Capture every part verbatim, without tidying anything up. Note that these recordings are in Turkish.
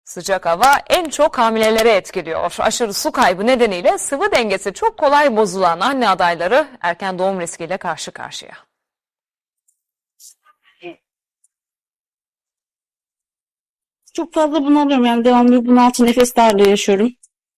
Sıcak hava en çok hamileleri etkiliyor. Aşırı su kaybı nedeniyle sıvı dengesi çok kolay bozulan anne adayları erken doğum riskiyle karşı karşıya. Çok fazla bunalıyorum, yani devamlı bunaltı, nefes darlığı yaşıyorum.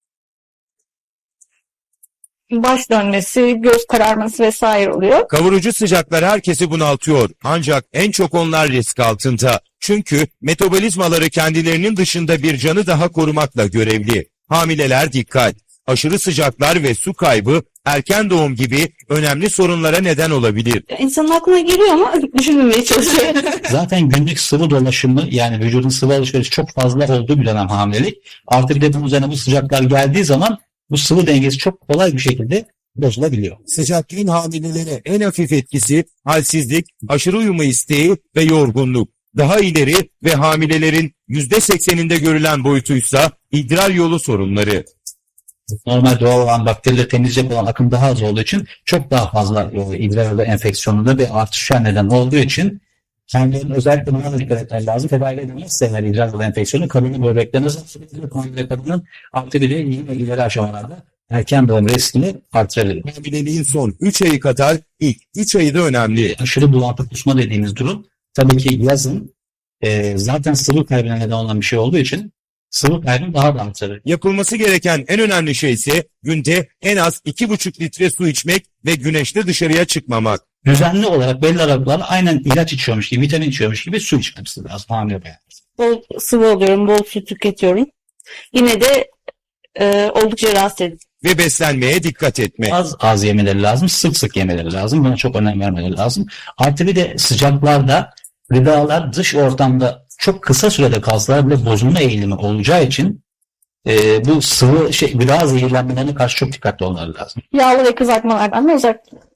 Baş dönmesi, göz kararması vesaire oluyor. Kavurucu sıcaklar herkesi bunaltıyor. Ancak en çok onlar risk altında. Çünkü metabolizmaları kendilerinin dışında bir canı daha korumakla görevli. Hamileler dikkat. Aşırı sıcaklar ve su kaybı erken doğum gibi önemli sorunlara neden olabilir. İnsanın aklına geliyor ama düşünmemeye çalışıyor. Zaten günlük sıvı dolaşımı, yani vücudun sıvı alışverişi çok fazla olduğu bir dönem hamilelik. Artı bir de bunun üzerine bu sıcaklar geldiği zaman bu sıvı dengesi çok kolay bir şekilde bozulabiliyor. Sıcaklığın hamilelere en hafif etkisi halsizlik, aşırı uyuma isteği ve yorgunluk. Daha ileri ve hamilelerin yüzde sekseninde görülen boyutuysa idrar yolu sorunları. Normal doğal olan bakterileri temizleyecek olan akım daha az olduğu için çok daha fazla e, idrar yolu enfeksiyonunda bir artışa neden olduğu için kendilerinin özellikle buna da dikkat etmeleri lazım. Tedavi edilmezse eğer idrar yolu enfeksiyonu kadının böbreklerine zarar verir. Hamile kadının artı bir de iyi ve ileri aşamalarda erken doğum riskini artırabilir. Hamileliğin son üç ayı kadar ilk üç ayı da önemli. Aşırı bulantı kusma dediğimiz durum tabii ki yazın e, zaten sıvı kaybına neden olan bir şey olduğu için sıvı kaybını daha da artırır. Yapılması gereken en önemli şey ise günde en az iki buçuk litre su içmek ve güneşte dışarıya çıkmamak. Düzenli olarak belli aralıklarla aynen ilaç içiyormuş gibi, vitamin içiyormuş gibi su içmemiz lazım hamile bayan. Bol sıvı alıyorum, bol su tüketiyorum. Yine de e, oldukça rahatsız edici. Ve beslenmeye dikkat etmek. Az az yemeleri lazım, sık sık yemeleri lazım. Buna çok önem vermeleri lazım. Artı bir de sıcaklarda gıdalar dış ortamda çok kısa sürede kalsalar bile bozulma eğilimi olacağı için e, bu sıvı şey gıda zehirlenmelerine karşı çok dikkatli olmaları lazım. Yağlı ve kızartmalardan da uzak